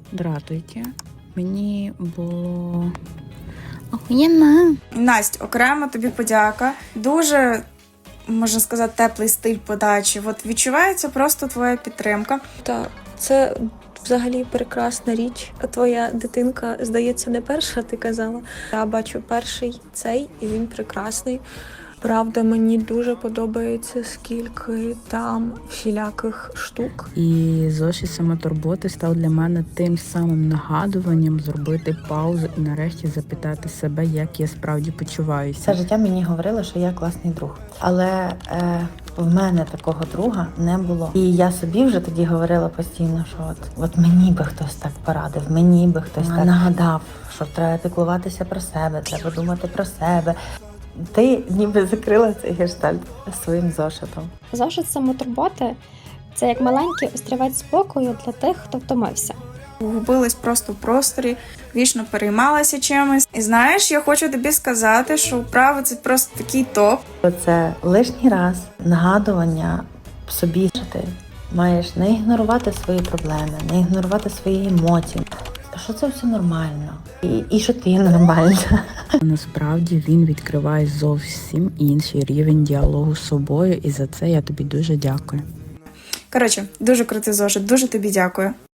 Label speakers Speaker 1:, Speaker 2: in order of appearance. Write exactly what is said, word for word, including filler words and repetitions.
Speaker 1: Здравствуйте. Мені було охуєнно.
Speaker 2: Настя, окремо тобі подяка. Дуже, можна сказати, теплий стиль подачі. От відчувається просто твоя підтримка.
Speaker 3: Так, це взагалі прекрасна річ. Твоя дитинка, здається, не перша, ти казала. Я бачу перший цей, і він прекрасний. Правда, мені дуже подобається, скільки там всіляких штук.
Speaker 1: І зошит самотурботи став для мене тим самим нагадуванням зробити паузу і нарешті запитати себе, як я справді почуваюся.
Speaker 4: Все життя мені говорили, що я класний друг. Але е, в мене такого друга не було. І я собі вже тоді говорила постійно, що от, от мені би хтось так порадив, мені би хтось так нагадав, що треба піклуватися про себе, треба думати про себе. Ти ніби закрила цей гештальт своїм зошитом.
Speaker 5: Зошит самотурботи – це як маленький острівець спокою для тих, хто втомився.
Speaker 2: Губилась просто в просторі, вічно переймалася чимось. І знаєш, я хочу тобі сказати, що вправи – це просто такий топ.
Speaker 4: Це лишній раз нагадування собі, що ти маєш не ігнорувати свої проблеми, не ігнорувати свої емоції, що це все нормально і, і що ти нормальна.
Speaker 1: Насправді він відкриває зовсім інший рівень діалогу з собою, і за це я тобі дуже дякую.
Speaker 2: Коротше, дуже крутий зошит, дуже тобі дякую.